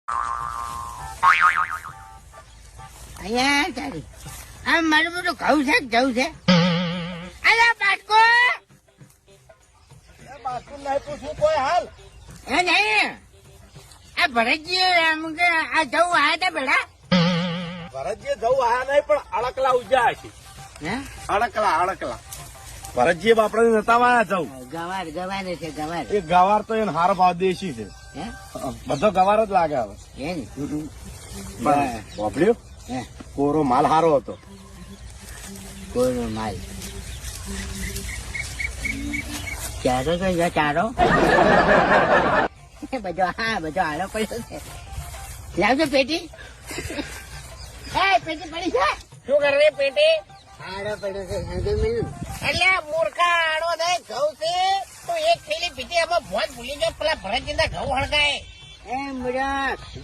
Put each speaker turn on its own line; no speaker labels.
અહીંયા તારી આ મારું બધું ઘઉં છે જવું છે. અરે બાટકો
બાસ્કુ નહીં પૂછવું કોઈ હાલ.
એ નહીં આ ભરતજી એમ કે આ જવું આયા હતા બેડા.
ભરતજી જવું આયા નહીં પણ અડકલા ઉજ્યા છે.
હે
અડકલા ભરતજી બાપડા નતા વાયા જવું.
ગવાર ગવાર છે ગવાર.
એ ગવાર તો એને હારો ભાવ દેશી છે.
હે
બધો ગવાર જ લાગે હવે.
હે ને
વાપર્યો
હે
કોરો માલ હારો હતો.
કોઈનો માલ ચારો તો ચારો બધો હા બધો હારો પડ્યો છે. લાવજો પેટી. એ પેટી પડી છે.
શું કરે પેટી?
હારો પડ્યો છે સંજય મિલ.
એટલે મૂર્ખા આડો થાય ઘઉં છે તો એક થેલી પીટી એમાં ભોજ ભૂલી ગયો પેલા ભરતજીના ઘઉં હળગાય.
એ મુરખ